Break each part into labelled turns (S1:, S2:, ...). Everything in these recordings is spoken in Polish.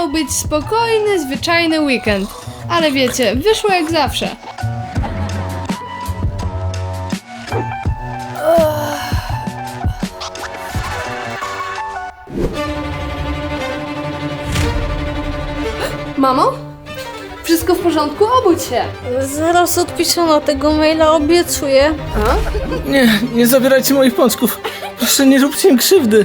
S1: miał być spokojny, zwyczajny weekend. Ale wiecie, wyszło jak zawsze. Mamo? Wszystko w porządku? Obudź się.
S2: Zaraz odpiszę na tego maila, obiecuję.
S3: Nie zabierajcie moich pączków. Proszę, nie róbcie im krzywdy.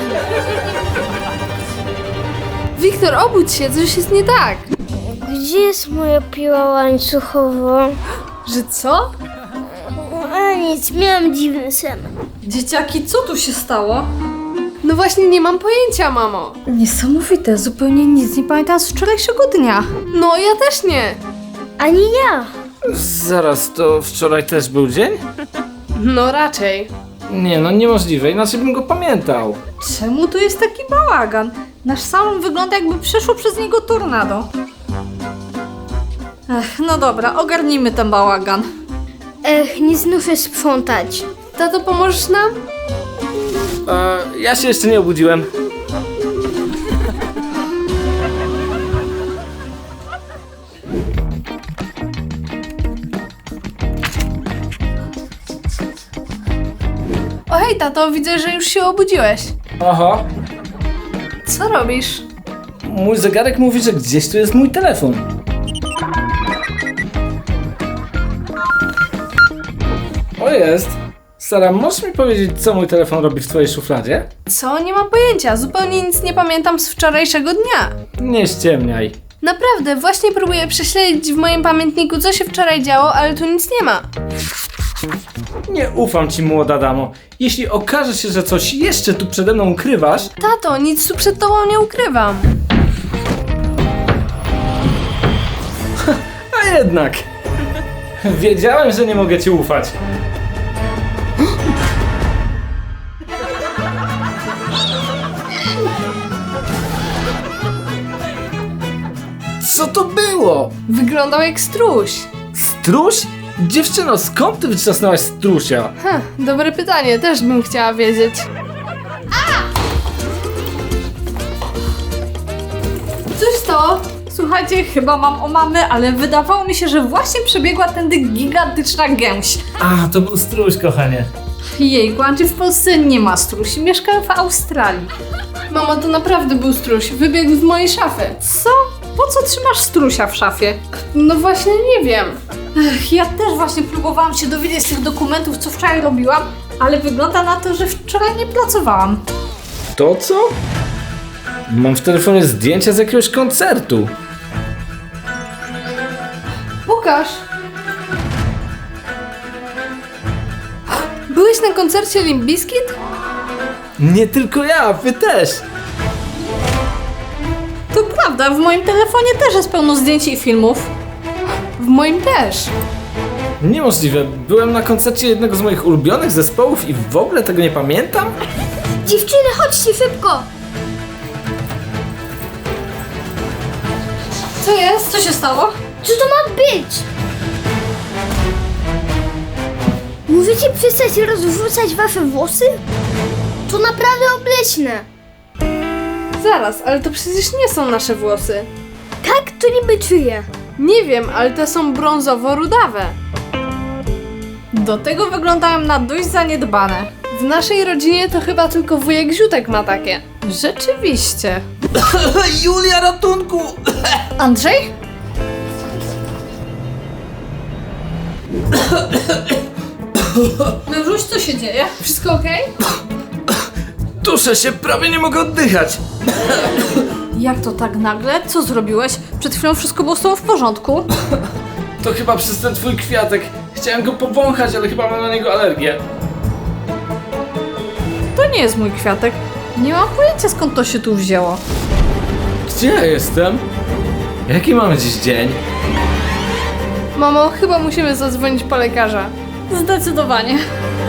S1: Wiktor, obudź się, coś jest nie tak.
S2: Gdzie jest moja piła łańcuchowa?
S1: Że co?
S2: A nic, miałam dziwny sen.
S4: Dzieciaki, co tu się stało?
S1: No właśnie nie mam pojęcia, mamo.
S4: Niesamowite, zupełnie nic nie pamiętam z wczorajszego dnia.
S1: No, ja też nie.
S2: Ani ja.
S3: Zaraz, to wczoraj też był dzień?
S1: No raczej.
S3: Nie, no niemożliwe, inaczej bym go pamiętał.
S4: Czemu tu jest taki bałagan? Nasz salon wygląda, jakby przeszło przez niego tornado. No dobra, ogarnijmy ten bałagan.
S2: Nie znoszę sprzątać.
S1: Tato, pomożesz nam?
S3: Ja się jeszcze nie obudziłem.
S1: O hej, tato, widzę, że już się obudziłeś.
S3: Aha,
S1: Co robisz?
S3: mój zegarek mówi, że gdzieś tu jest mój telefon. O, jest. Sara, możesz mi powiedzieć, co mój telefon robi w twojej szufladzie?
S1: Co? Nie mam pojęcia. Zupełnie nic nie pamiętam z wczorajszego dnia.
S3: Nie ściemniaj.
S1: Naprawdę, właśnie próbuję prześledzić w moim pamiętniku, co się wczoraj działo, ale tu nic nie ma.
S3: Nie ufam ci, młoda damo. Jeśli okaże się, że coś jeszcze tu przede mną ukrywasz...
S1: Tato, nic tu przed tobą nie ukrywam.
S3: A jednak... Wiedziałem, że nie mogę ci ufać. Co to było?
S1: Wyglądał jak struś.
S3: Struś? Dziewczyno, skąd ty wyczasnęłaś strusia?
S1: Dobre pytanie, też bym chciała wiedzieć. Co się stało?
S4: Słuchajcie, chyba mam omamę, ale wydawało mi się, że właśnie przebiegła tędy gigantyczna gęś.
S3: A, to był struś, kochanie.
S4: Jejku, Andrzej, w Polsce nie ma strusi, mieszkam w Australii.
S1: Mamo, to naprawdę był struś. Wybiegł z mojej szafy.
S4: Co? Po co trzymasz strusia w szafie?
S1: No właśnie nie wiem.
S4: Ja też właśnie próbowałam się dowiedzieć z tych dokumentów, co wczoraj robiłam, ale wygląda na to, że wczoraj nie pracowałam.
S3: To co? Mam w telefonie zdjęcia z jakiegoś koncertu.
S1: Pokaż. Byłeś na koncercie Limp Bizkit?
S3: Nie tylko ja, wy też.
S4: To prawda, w moim telefonie też jest pełno zdjęć i filmów.
S1: W moim też.
S3: Niemożliwe. Byłem na koncercie jednego z moich ulubionych zespołów i w ogóle tego nie pamiętam?
S2: Dziewczyny, chodźcie szybko.
S1: Co jest?
S4: Co się stało?
S2: Co to ma być? Możecie przestać rozrzucać wasze włosy? To naprawdę obleśne.
S1: Zaraz, ale to przecież nie są nasze włosy.
S2: Tak, to niby czyje.
S1: Nie wiem, ale te są brązowo-rudawe.
S4: Do tego wyglądają na dość zaniedbane.
S1: W naszej rodzinie to chyba tylko wujek Ziutek ma takie.
S4: Rzeczywiście.
S3: Julia, ratunku!
S4: Andrzej? Mężuś, co się dzieje?
S1: Wszystko okej?
S3: Duszę się, prawie nie mogę oddychać.
S4: Jak to tak nagle? Co zrobiłeś? Przed chwilą wszystko było z tobą w porządku.
S3: To chyba przez ten twój kwiatek. Chciałem go powąchać, ale chyba mam na niego alergię.
S4: To nie jest mój kwiatek. Nie mam pojęcia, skąd to się tu wzięło.
S3: Gdzie ja jestem? Jaki mamy dziś dzień?
S1: Mamo, chyba musimy zadzwonić po lekarza.
S4: Zdecydowanie.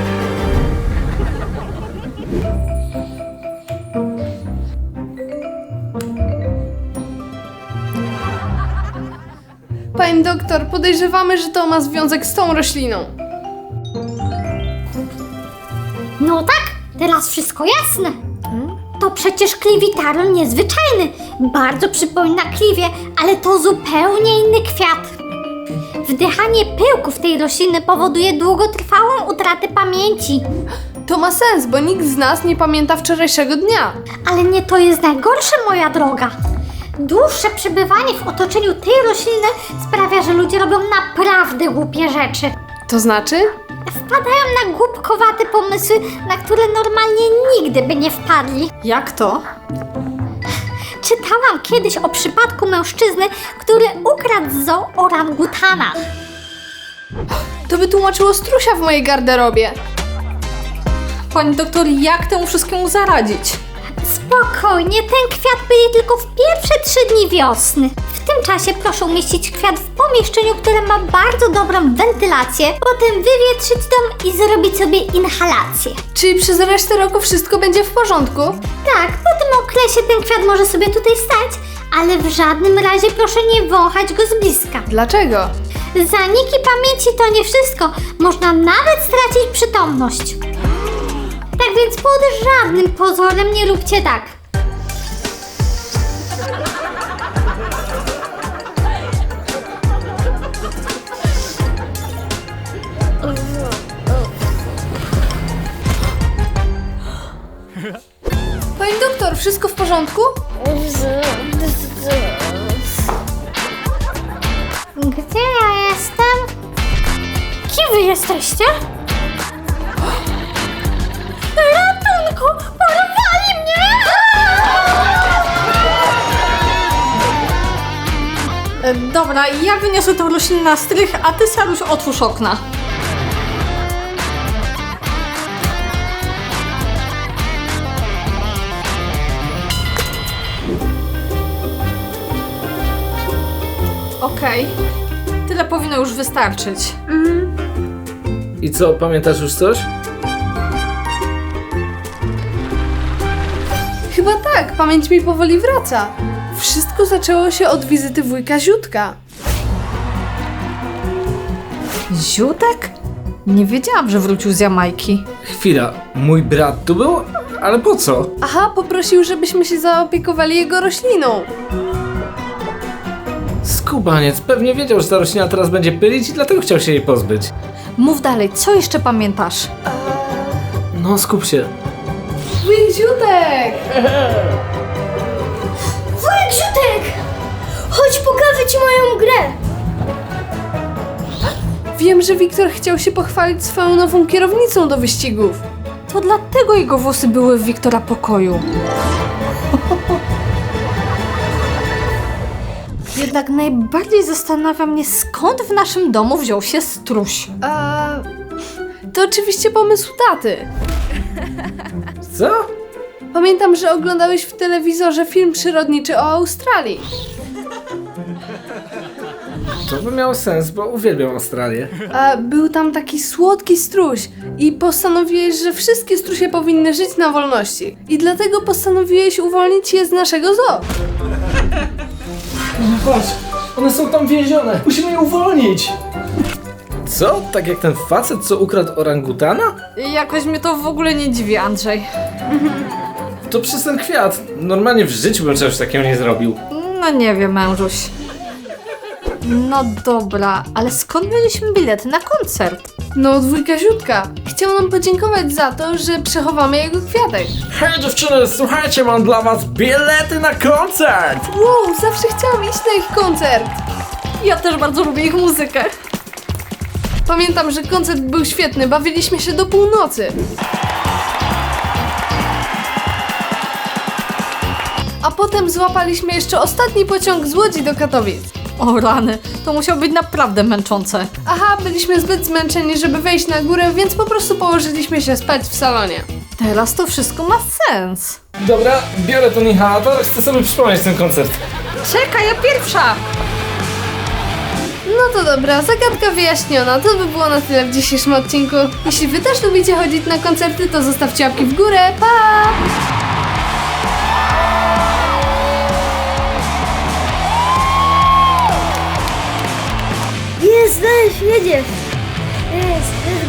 S1: Pani doktor, podejrzewamy, że to ma związek z tą rośliną.
S2: No tak, teraz wszystko jasne. To
S5: To przecież kliwitarol niezwyczajny. Bardzo przypomina kliwie, ale to zupełnie inny kwiat. Wdychanie pyłków tej rośliny powoduje długotrwałą utratę pamięci.
S1: To ma sens, bo nikt z nas nie pamięta wczorajszego dnia.
S5: Ale nie to jest najgorsze, moja droga. Dłuższe przebywanie w otoczeniu tej rośliny sprawia, że ludzie robią naprawdę głupie rzeczy.
S1: To znaczy?
S5: Wpadają na głupkowate pomysły, na które normalnie nigdy by nie wpadli.
S4: Jak to?
S5: Czytałam kiedyś o przypadku mężczyzny, który ukradł z zoo orangutana.
S1: To by tłumaczyło strusia w mojej garderobie.
S4: Pani doktor, jak temu wszystkiemu zaradzić?
S5: Spokojnie, ten kwiat byli tylko w pierwsze 3 dni wiosny. W tym czasie proszę umieścić kwiat w pomieszczeniu, które ma bardzo dobrą wentylację, potem wywietrzyć dom i zrobić sobie inhalację.
S1: Czyli przez resztę roku wszystko będzie w porządku?
S5: Tak, po tym okresie ten kwiat może sobie tutaj stać, ale w żadnym razie proszę nie wąchać go z bliska.
S1: Dlaczego?
S5: Zaniki pamięci to nie wszystko, można nawet stracić przytomność. Tak więc pod żadnym pozorem nie róbcie tak.
S1: Pani doktor, wszystko w porządku?
S5: Gdzie ja jestem? Kim wy jesteście? Ratunku! Porwali mnie!
S4: Dobra, ja wyniosę tą roślinę na strych, a ty, Saruś, otwórz okna. Okej. Tyle powinno już wystarczyć.
S3: I co, pamiętasz już coś?
S1: Chyba tak, pamięć mi powoli wraca. Wszystko zaczęło się od wizyty wujka Ziutka.
S4: Ziutek? Nie wiedziałam, że wrócił z Jamajki.
S3: Chwila, mój brat tu był? Ale po co?
S1: Aha, poprosił, żebyśmy się zaopiekowali jego rośliną.
S3: Skubaniec, pewnie wiedział, że ta roślina teraz będzie pylić i dlatego chciał się jej pozbyć.
S4: Mów dalej, co jeszcze pamiętasz?
S3: No, skup się.
S1: Wujek Ziutek!
S5: Wujek Ziutek! Chodź, pokażę ci moją grę!
S1: Wiem, że Wiktor chciał się pochwalić swoją nową kierownicą do wyścigów.
S4: To dlatego jego włosy były w Wiktora pokoju. Jednak najbardziej zastanawia mnie, skąd w naszym domu wziął się struś.
S1: To oczywiście pomysł taty.
S3: Co?
S1: Pamiętam, że oglądałeś w telewizorze film przyrodniczy o Australii.
S3: To by miało sens, bo uwielbiam Australię.
S1: A był tam taki słodki struś i postanowiłeś, że wszystkie strusie powinny żyć na wolności. I dlatego postanowiłeś uwolnić je z naszego zoo.
S3: Patrz, one są tam więzione. Musimy je uwolnić. Co? Tak jak ten facet, co ukradł orangutana?
S4: Jakoś mnie to w ogóle nie dziwi, Andrzej.
S3: To przez ten kwiat. Normalnie w życiu bym czegoś takiego nie zrobił.
S4: No nie wiem, mężuś. No dobra, ale skąd mieliśmy bilety na koncert?
S1: No, od wujka Ziutka. Chciał nam podziękować za to, że przechowamy jego kwiatek.
S3: Hej dziewczyny, słuchajcie, mam dla was bilety na koncert!
S1: Wow, zawsze chciałam iść na ich koncert.
S4: Ja też bardzo lubię ich muzykę.
S1: Pamiętam, że koncert był świetny, bawiliśmy się do północy. A potem złapaliśmy jeszcze ostatni pociąg z Łodzi do Katowic.
S4: O rany, to musiało być naprawdę męczące.
S1: Aha, byliśmy zbyt zmęczeni, żeby wejść na górę, więc po prostu położyliśmy się spać w salonie.
S4: Teraz to wszystko ma sens.
S3: Dobra, biorę ten inhalator, chcę sobie przypomnieć ten koncert.
S4: Czekaj, ja pierwsza!
S1: No to dobra, zagadka wyjaśniona. To by było na tyle w dzisiejszym odcinku. Jeśli wy też lubicie chodzić na koncerty, to zostawcie łapki w górę. Pa!
S5: Jest, jedziesz! Jest,